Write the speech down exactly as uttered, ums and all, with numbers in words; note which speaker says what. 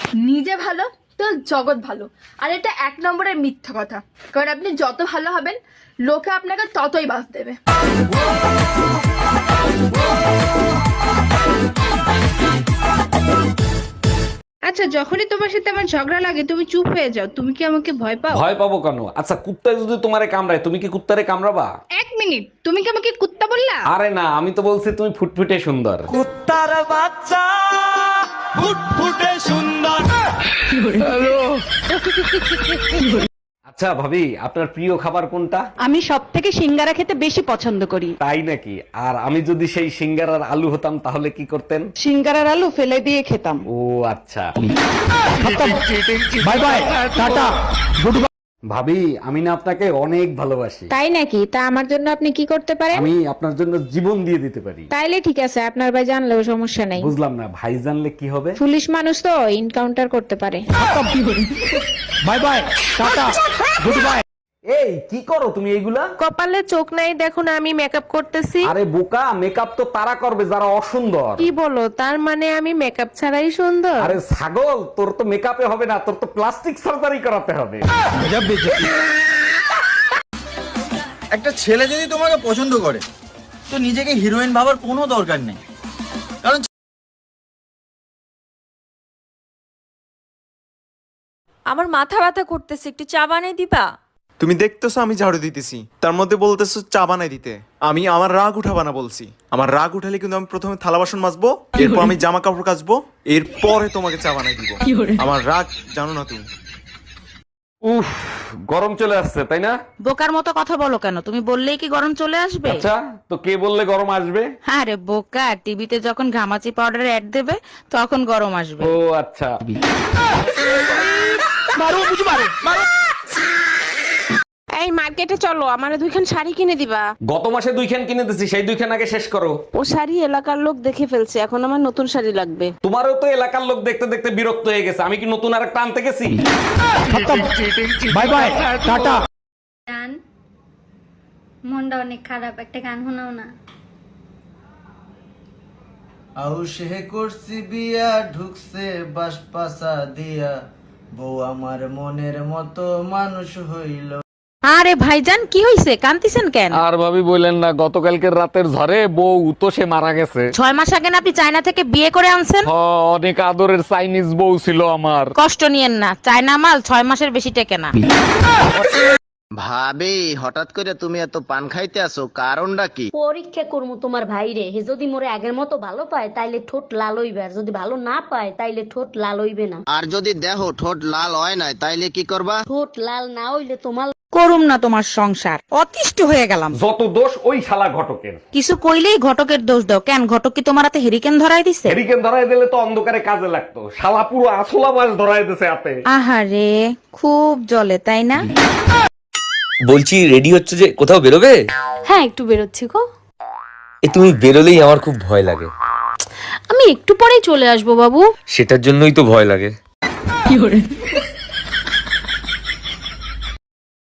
Speaker 1: নিজে ভালো তো জগৎ ভালো, আর এটা এক নম্বরের মিথ্যা কথা। কারণ আপনি যত ভালো হবেন লোকে আপনাকে ততই বাস দেবে।
Speaker 2: আচ্ছা, যখনই তোমার সাথে আমার ঝগড়া লাগে তুমি চুপ হয়ে যাও, তুমি কি আমাকে ভয় পাও?
Speaker 3: ভয় পাবো কেন? আচ্ছা কুত্তায় যদি তোমারে কামড়ায় তুমি কি কুত্তারে কামড়াবা?
Speaker 2: এক মিনিট, তুমি কি আমাকে কুত্তা বললা?
Speaker 3: আরে না, আমি তো বলছি তুমি ফুটফুটে সুন্দর।
Speaker 4: কুত্তার বাচ্চা ফুটফুটে সুন্দর।
Speaker 3: আচ্ছা ভাবি, আপনার প্রিয় খাবার কোনটা?
Speaker 5: আমি সব থেকে সিঙ্গারা খেতে বেশি পছন্দ করি।
Speaker 3: তাই নাকি? আর আমি যদি সেই সিঙ্গারার আলু হতাম তাহলে কি করতেন?
Speaker 5: সিঙ্গারার আলু ফেলে দিয়ে খেতাম।
Speaker 3: ও আচ্ছা।
Speaker 4: Bye bye, tata, good bye.
Speaker 3: ভাবি, আমি না আপনাকে অনেক ভালোবাসি।
Speaker 2: তাই নাকি? তা আমার জন্য আপনি কি করতে পারেন?
Speaker 3: আমি আপনার জন্য জীবন দিয়ে দিতে পারি।
Speaker 2: তাইলে ঠিক আছে, আপনার ভাই জানলেও সমস্যা নাই।
Speaker 3: বুঝলাম না, ভাই জানলে কি হবে?
Speaker 2: পুলিশ মানুষ তো এনকাউন্টার করতে পারে।
Speaker 4: Bye bye, tata, good bye.
Speaker 3: এই কি করো তুমি এইগুলা?
Speaker 6: কপালে চোখ নাই দেখো না, আমি মেকআপ করতেছি।
Speaker 3: আরে বোকা, মেকআপ তো তারা করবে যারা অসুন্দর।
Speaker 6: কি বলো, তার মানে আমি মেকআপ ছাড়াই সুন্দর?
Speaker 3: আরে ছাগল, তোর তো মেকআপে হবে না, তোর তো প্লাস্টিক সার্জারি করাতে হবে।
Speaker 7: একটা ছেলে যদি তোমাকে পছন্দ করে তো নিজেকে হিরোইন ভাবার কোনো দরকার নেই, কারণ
Speaker 6: আমার মাথা ব্যথা করতেছে, একটু চা বানিয়ে দিবা?
Speaker 8: তুমি দেখতেছো আমি ঝাড়ু দিতেছি, তার মধ্যে বলতেছো চা বানাই দিতে। আমি আমার রাগ উঠাবা না বলছি। আমার রাগ উঠালে কিন্তু আমি প্রথমে থালা বাসন মাজবো, এরপর আমি জামা কাপড় কাচবো, এরপরে তোমাকে চা বানাই দিব। আমার রাগ জানো না তুমি।
Speaker 3: উফ, গরম চলে আসছে তাই না?
Speaker 5: বোকার মতো কথা বলো কেন? তুমি বললেই কি গরম চলে আসবে?
Speaker 3: আচ্ছা, তো কে বললে গরম আসবে?
Speaker 5: আরে বোকা, টিভিতে যখন ঘামাচি পাউডারের অ্যাড দেবে তখন গরম আসবে।
Speaker 3: ও আচ্ছা।
Speaker 6: এই মার্কেটে চলো, আমার দুইখান শাড়ি কিনে দিবা।
Speaker 3: গত মাসে দুইখান কিনে দিছি, সেই দুইখান আগে শেষ করো।
Speaker 6: ও শাড়ি এলাকার লোক দেখে ফেলছে, এখন আমার নতুন শাড়ি লাগবে।
Speaker 3: তোমারও তো এলাকার লোক দেখতে দেখতে বিরক্ত হয়ে গেছে, আমি কি নতুন আর একটা আনতে গেছি?
Speaker 4: Bye bye, tata.
Speaker 9: গান, মনটা অনেক খারাপ, একটা গান শোনাও না।
Speaker 7: আউশে করছি বিয়া, ঢুকছে বাসপাসা দিয়া, বউ আমার মনের মতো মানুষ হইল।
Speaker 5: আরে ভাইজান, কি হইছে? কান্তিছেন কেন?
Speaker 3: আর ভাবি বললেন না, গতকালকের রাতের ঝড়ে বউ তো সে মারা গেছে।
Speaker 5: ছয় মাস আগে না আপনি চায়না থেকে বিয়ে করে আনছেন?
Speaker 3: হ, অনেক আদরের চাইনিজ বউ ছিল আমার।
Speaker 5: কষ্ট নিয়েন না, চায়না মাল ছয় মাসের বেশি টেকে না।
Speaker 10: ভাবি, হঠাৎ করে তুমি এত পান খাইতে আসো, কারণটা কি?
Speaker 11: পরীক্ষা করবো তোমার ভাইরে, হে যদি মোরে আগের মতো ভালো পায় তাইলে ঠোঁট লাল হইবে, আর যদি ভালো না পায় তাইলে ঠোঁট লাল হইবে না।
Speaker 10: আর যদি দেহ ঠোঁট লাল হয় নাই তাইলে কি করবা?
Speaker 11: ঠোঁট লাল না হইলে তোমার
Speaker 5: করুম না তোমার সংসার, অতিষ্ঠ হয়ে গেলাম।
Speaker 3: যত দোষ ওই শালা ঘটকের।
Speaker 5: কিছু কইলেই ঘটকের দোষ দাও কেন? ঘটক কি তোমার হাতে হেরিকেন ধরাই দিছে?
Speaker 3: হেরিকেন ধরাই দিলে তো অন্ধকারে কাজে লাগতো, শালা পুরো আসলা মাছ ধরাই দিছে হাতে।
Speaker 5: আহারে, খুব জ্বলে তাই না?
Speaker 12: বলছি রেডি হচ্ছে যে কোথাও বেরোবে?
Speaker 9: হ্যাঁ, একটু বেরোচ্ছি গো।
Speaker 12: এ তুমি বেরোলেই আমার খুব ভয় লাগে।
Speaker 9: আমি একটু পরেই চলে আসবো বাবু।
Speaker 12: সেটার জন্যই তো ভয় লাগে।